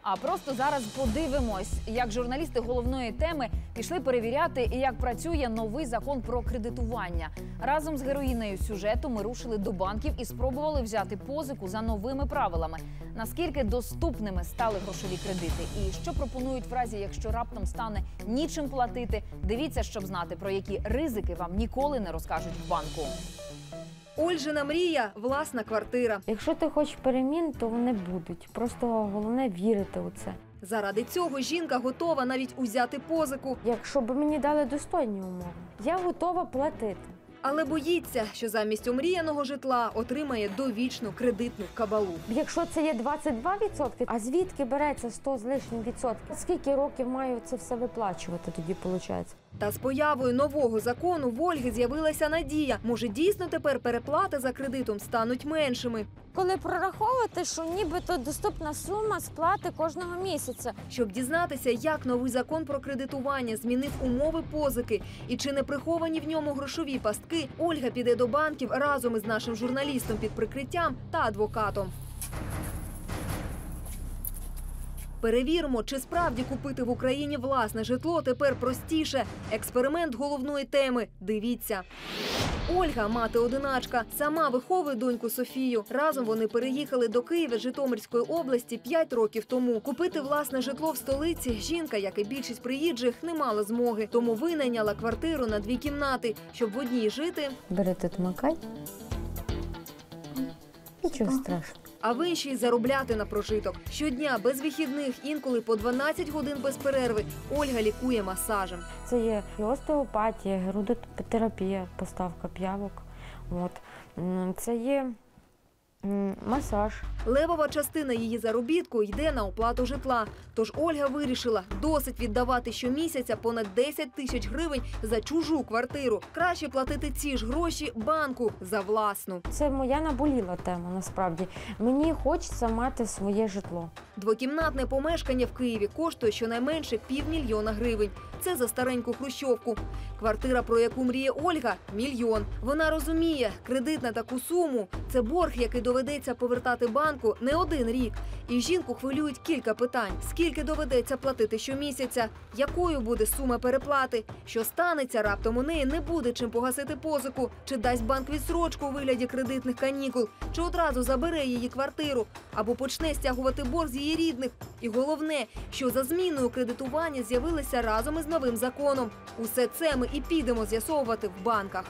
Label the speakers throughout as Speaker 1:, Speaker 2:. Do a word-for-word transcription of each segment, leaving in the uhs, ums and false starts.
Speaker 1: А просто зараз подивимось, як журналісти головної теми пішли перевіряти, як працює новий закон про кредитування. Разом з героїнею сюжету ми рушили до банків і спробували взяти позику за новими правилами. Наскільки доступними стали грошові кредити і що пропонують в разі, якщо раптом стане нічим платити. Дивіться, щоб знати, про які ризики вам ніколи не розкажуть в банку.
Speaker 2: Ольжина мрія – власна квартира.
Speaker 3: Якщо ти хочеш перемін, то вони будуть. Просто головне вірити у це.
Speaker 2: Заради цього жінка готова навіть узяти позику.
Speaker 3: Якщо б мені дали достойні умови, я готова платити.
Speaker 2: Але боїться, що замість омріяного житла отримає довічну кредитну кабалу.
Speaker 3: Якщо це є двадцять два відсотки, а звідки береться сто з лишнім відсотків? Скільки років маю це все виплачувати тоді, виходить?
Speaker 2: Та з появою нового закону в Ольги з'явилася надія. Може, дійсно тепер переплати за кредитом стануть меншими.
Speaker 3: Коли прораховувати, що нібито доступна сума сплати кожного місяця.
Speaker 2: Щоб дізнатися, як новий закон про кредитування змінив умови позики і чи не приховані в ньому грошові пастки, Ольга піде до банків разом із нашим журналістом під прикриттям та адвокатом. Перевіримо, чи справді купити в Україні власне житло тепер простіше. Експеримент головної теми. Дивіться. Ольга – мати-одиначка. Сама виховує доньку Софію. Разом вони переїхали до Києва з Житомирської області п'ять років тому. Купити власне житло в столиці жінка, як і більшість приїжджих, не мала змоги. Тому винайняла квартиру на дві кімнати, щоб в одній жити,
Speaker 3: Бери тут макай. Нічого страшного.
Speaker 2: а в іншій заробляти на прожиток. Щодня, без вихідних, інколи по дванадцять годин без перерви, Ольга лікує масажем.
Speaker 3: Це є і остеопатія, герудотерапія, поставка п'явок. От. М, Це є м, масаж.
Speaker 2: Левова частина її заробітку йде на оплату житла. Тож Ольга вирішила, досить віддавати щомісяця понад десять тисяч гривень за чужу квартиру. Краще платити ці ж гроші банку за власну.
Speaker 3: Це моя наболіла тема, насправді. Мені хочеться мати своє житло.
Speaker 2: Двокімнатне помешкання в Києві коштує щонайменше півмільйона гривень. Це за стареньку хрущовку. Квартира, про яку мріє Ольга – мільйон. Вона розуміє, кредит на таку суму – це борг, який доведеться повертати банку не один рік. І жінку хвилюють кілька питань. Скільки доведеться платити щомісяця? Якою буде сума переплати? Що станеться, раптом у неї не буде чим погасити позику? Чи дасть банк відстрочку у вигляді кредитних канікул? Чи одразу забере її квартиру? Або почне стягувати борг з її рідних? І головне, що за зміною кредитування з'явилися разом із новим законом. Усе це ми і підемо з'ясовувати в банках.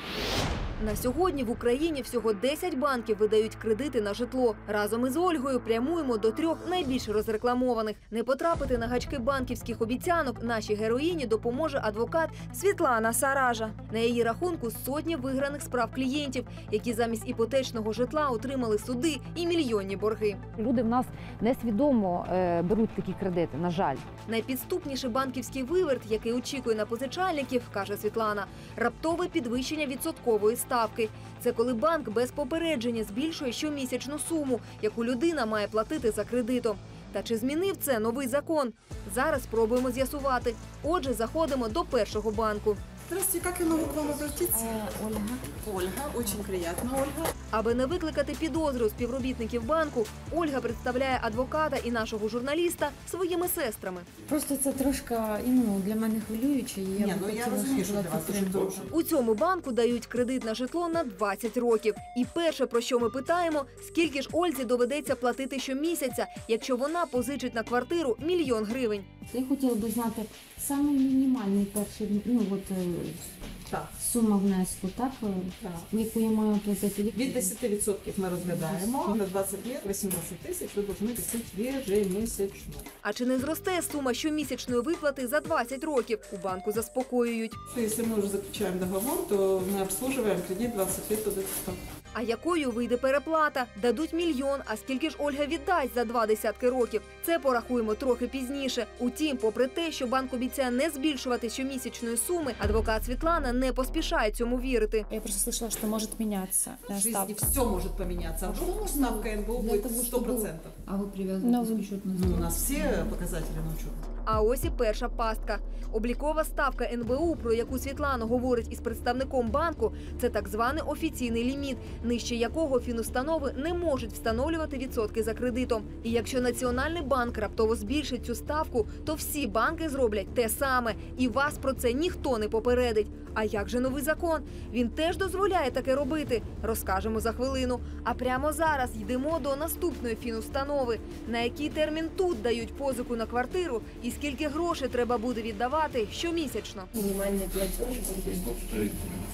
Speaker 2: На сьогодні в Україні всього десять банків видають кредити на житло. Разом із Ольгою прямуємо до трьох найбільш розрекламованих. Не потрапити на гачки банківських обіцянок нашій героїні допоможе адвокат Світлана Саража. На її рахунку сотні виграних справ клієнтів, які замість іпотечного житла отримали суди і мільйонні борги.
Speaker 4: Люди в нас несвідомо е, беруть такі кредити, на жаль.
Speaker 2: Найпідступніший банківський виверт, який очікує на позичальників, каже Світлана, раптове підвищення відсоткової ставки. Це коли банк без попередження збільшує щомісячну суму, яку людина має платити за кредитом. Та чи змінив це новий закон? Зараз спробуємо з'ясувати. Отже, заходимо до першого банку.
Speaker 5: Здравствуйте, как я могу к вам обратиться?
Speaker 3: Ольга.
Speaker 5: Ольга, очень приятно, Ольга.
Speaker 2: Аби не викликати підозри у співробітників банку, Ольга представляє адвоката і нашого журналіста своїми сестрами.
Speaker 6: Просто це трошки ну, для мене хвилююче. І я
Speaker 5: Ні,
Speaker 6: б
Speaker 5: ну я
Speaker 6: хотіла,
Speaker 5: розумію,
Speaker 6: щоб
Speaker 5: що
Speaker 6: була
Speaker 5: для вас дуже
Speaker 6: підтримка.
Speaker 5: довго.
Speaker 2: У цьому банку дають кредит на житло на двадцять років. І перше, про що ми питаємо, скільки ж Ользі доведеться платити щомісяця, якщо вона позичить на квартиру мільйон гривень.
Speaker 6: Я хотіла б знати саме мінімальний перший, ну от е,
Speaker 5: Так.
Speaker 6: сума внеску, так, е,
Speaker 5: Так.
Speaker 6: яку я маю платити.
Speaker 5: Від десять відсотків ми розглядаємо. На двадцять років вісімнадцять тисяч ви повинні платити ежемісячно.
Speaker 2: А чи не зросте сума щомісячної виплати за двадцять років? У банку заспокоюють.
Speaker 5: Якщо ми вже заключаємо договор, то ми обслуживаємо кредит двадцять лет до ста.
Speaker 2: А якою вийде переплата? Дадуть мільйон, а скільки ж Ольга віддасть за два десятки років? Це порахуємо трохи пізніше. Утім, попри те, що банк обіцяє не збільшувати щомісячної суми, адвокат Світлана не поспішає цьому вірити.
Speaker 7: Я просто слышала, что может меняться
Speaker 5: В жизни
Speaker 7: ставка.
Speaker 5: все может поменяться. А вдруг ставка эн бэ о
Speaker 6: Для
Speaker 5: будет
Speaker 6: того,
Speaker 5: сто
Speaker 6: чтобы
Speaker 5: процентов.
Speaker 6: А вы привязываете свой счет на
Speaker 5: Ну,
Speaker 6: стол?
Speaker 5: у нас все показатели на учет.
Speaker 2: А ось і перша пастка. Облікова ставка ен бе у, про яку Світлана говорить із представником банку, це так званий офіційний ліміт, нижче якого фінустанови не можуть встановлювати відсотки за кредитом. І якщо Національний банк раптово збільшить цю ставку, то всі банки зроблять те саме. І вас про це ніхто не попередить. А як же новий закон? Він теж дозволяє таке робити. Розкажемо за хвилину. А прямо зараз йдемо до наступної фінустанови. На який термін тут дають позику на квартиру і скільки грошей треба буде віддавати щомісячно.
Speaker 7: Минимальный платеж будет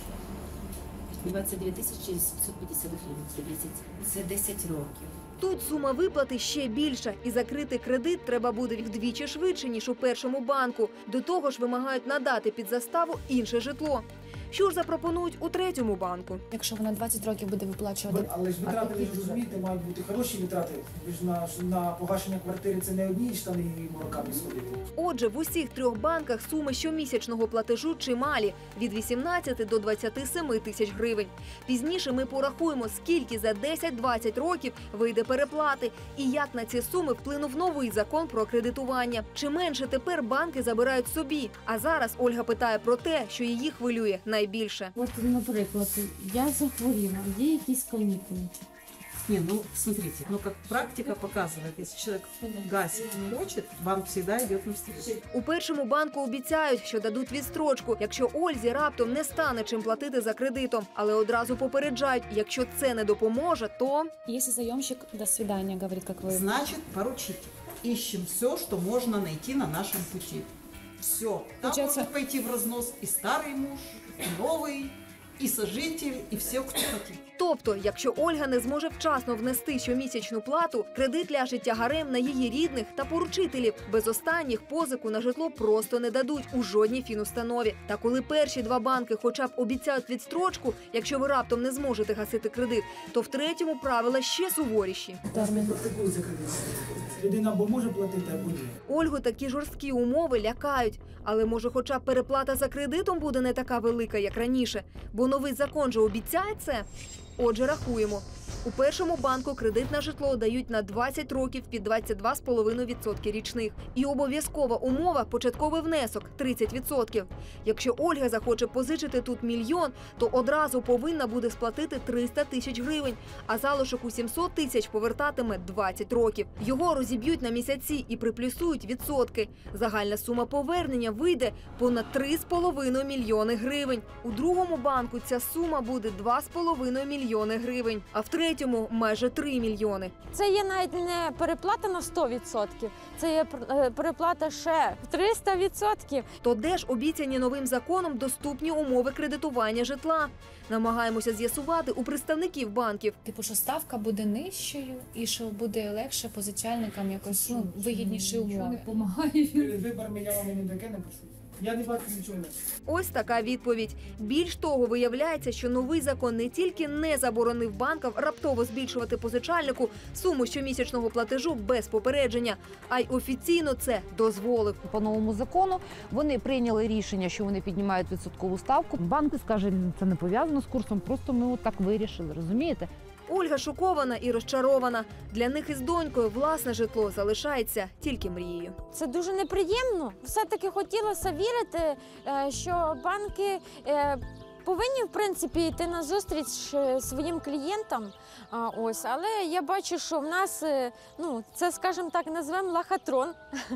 Speaker 7: двадцять дві тисячі сімсот п'ятдесят гривень. Це десять, це десять років.
Speaker 2: Тут сума виплати ще більша, і закрити кредит треба буде вдвічі швидше, ніж у першому банку. До того ж вимагають надати під заставу інше житло. Що ж запропонують у третьому банку?
Speaker 8: Якщо вона двадцять років буде виплачувати.
Speaker 9: Але ж витрати, ви ж розумієте, мають бути хороші витрати. Ви ж на, на погашення квартири це не одні штани і молоками сходити.
Speaker 2: Отже, в усіх трьох банках суми щомісячного платежу чималі – від вісімнадцяти до двадцяти семи тисяч гривень. Пізніше ми порахуємо, скільки за десять-двадцять років вийде переплати і як на ці суми вплинув новий закон про кредитування. Чи менше тепер банки забирають собі? А зараз Ольга питає про те, що її хвилює найбільше.
Speaker 6: От, наприклад, я захворіла, є якісь канікули.
Speaker 5: Не, ну, смотрите, ну, как практика показывает, если человек гасит не хочет, банк всегда идет навстречу.
Speaker 2: У першому банку обіцяють, що дадуть відстрочку, якщо Ользі раптом не стане чим платити за кредитом. Але одразу попереджають, якщо це не допоможе, то…
Speaker 8: Если заемщик «до свидания» говорит, как вы...
Speaker 5: Значит, поручите. Ищем все, что можно найти на нашем пути. Все. Там
Speaker 8: Получается-
Speaker 5: может пойти в разнос и старый муж, и новый, и сожитель, и все, кто хотит.
Speaker 2: Тобто, якщо Ольга не зможе вчасно внести щомісячну плату, кредит ляже тягарем на її рідних та поручителів. Без останніх позику на житло просто не дадуть у жодній фінустанові. Та коли перші два банки хоча б обіцяють відстрочку, якщо ви раптом не зможете гасити кредит, то в третьому правила ще суворіші.
Speaker 9: Термін практикується кредит. Людина або може платити, або ні.
Speaker 2: Ольгу такі жорсткі умови лякають. Але може хоча б переплата за кредитом буде не така велика, як раніше? Бо новий закон же обіцяє це? Отже, рахуємо. У першому банку кредит на житло дають на двадцять років під двадцять два цілих п'ять десятих відсотка річних. І обов'язкова умова – початковий внесок – тридцять відсотків. Якщо Ольга захоче позичити тут мільйон, то одразу повинна буде сплатити триста тисяч гривень, а залишок у сімсот тисяч повертатиме двадцять років. Його розіб'ють на місяці і приплюсують відсотки. Загальна сума повернення вийде понад три з половиною мільйони гривень. У другому банку ця сума буде два з половиною мільйони гривень, а в третьому – майже три мільйони.
Speaker 3: Це є навіть не переплата на сто відсотків, це є е, переплата ще в триста відсотків.
Speaker 2: То де ж обіцяні новим законом доступні умови кредитування житла? Намагаємося з'ясувати у представників банків.
Speaker 8: Типу, що ставка буде нижчою і що буде легше позичальникам якось ну, вигідніші
Speaker 6: Нічого не
Speaker 8: умови.
Speaker 6: допомагає.
Speaker 9: Перед виборами я вам не таке не пишу. Я не бачу нічого.
Speaker 2: Ось така відповідь. Більш того, виявляється, що новий закон не тільки не заборонив банкам раптово збільшувати позичальнику суму щомісячного платежу без попередження, а й офіційно це дозволив.
Speaker 4: По новому закону вони прийняли рішення, що вони піднімають відсоткову ставку. Банки скажуть, це не пов'язано з курсом, просто ми от так вирішили, розумієте?
Speaker 2: Ольга шокована і розчарована. Для них із донькою власне житло залишається тільки мрією.
Speaker 3: Це дуже неприємно. Все-таки хотілося вірити, е, що банки е, повинні, в принципі, йти на зустріч е, своїм клієнтам. А, ось, але я бачу, що в нас, е, ну, це, скажімо так, назвемо лохотрон.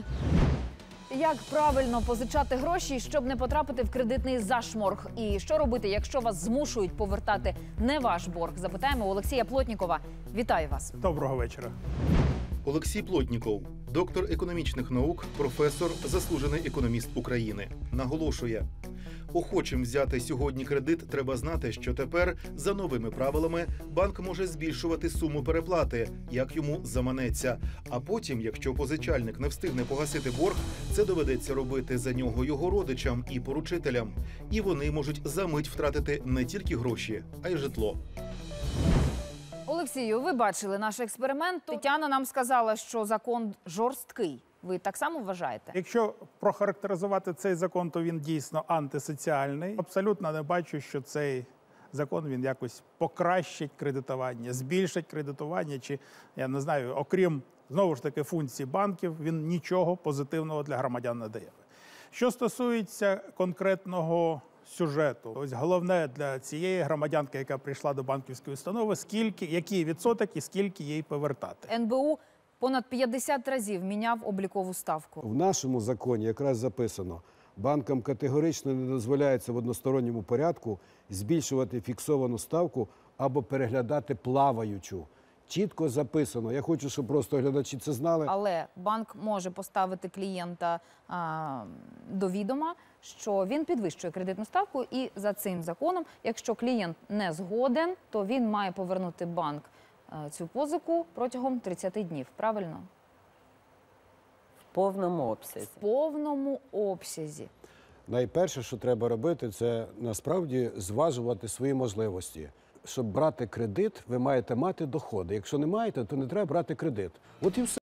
Speaker 1: Як правильно позичати гроші, щоб не потрапити в кредитний зашморг? І що робити, якщо вас змушують повертати не ваш борг? Запитаємо у Олексія Плотнікова. Вітаю вас.
Speaker 10: Доброго вечора.
Speaker 11: Олексій Плотніков, доктор економічних наук, професор, заслужений економіст України. Наголошує, охочим взяти сьогодні кредит треба знати, що тепер, за новими правилами, банк може збільшувати суму переплати, як йому заманеться. А потім, якщо позичальник не встигне погасити борг, це доведеться робити за нього його родичам і поручителям. І вони можуть за мить втратити не тільки гроші, а й житло.
Speaker 1: Олексію, ви бачили наш експеримент. Тетяна нам сказала, що закон жорсткий. Ви так само вважаєте?
Speaker 10: Якщо прохарактеризувати цей закон, то він дійсно антисоціальний. Абсолютно не бачу, що цей закон він якось покращить кредитування, збільшить кредитування, чи, я не знаю, окрім знову ж таки, функції банків, він нічого позитивного для громадян не дає. Що стосується конкретного сюжету, ось головне для цієї громадянки, яка прийшла до банківської установи, скільки, який відсоток і скільки їй повертати.
Speaker 1: ен бе у понад п'ятдесят разів міняв облікову ставку.
Speaker 12: В нашому законі якраз записано, банкам категорично не дозволяється в односторонньому порядку збільшувати фіксовану ставку або переглядати плаваючу. Чітко записано. Я хочу, щоб просто глядачі це знали.
Speaker 1: Але банк може поставити клієнта а, до відома, що він підвищує кредитну ставку, і за цим законом, якщо клієнт не згоден, то він має повернути банк а, цю позику протягом тридцяти днів. Правильно?
Speaker 13: В повному обсязі.
Speaker 1: В повному обсязі.
Speaker 12: Найперше, що треба робити, це насправді зважувати свої можливості. Щоб брати кредит, ви маєте мати доходи. Якщо не маєте, то не треба брати кредит. От і все.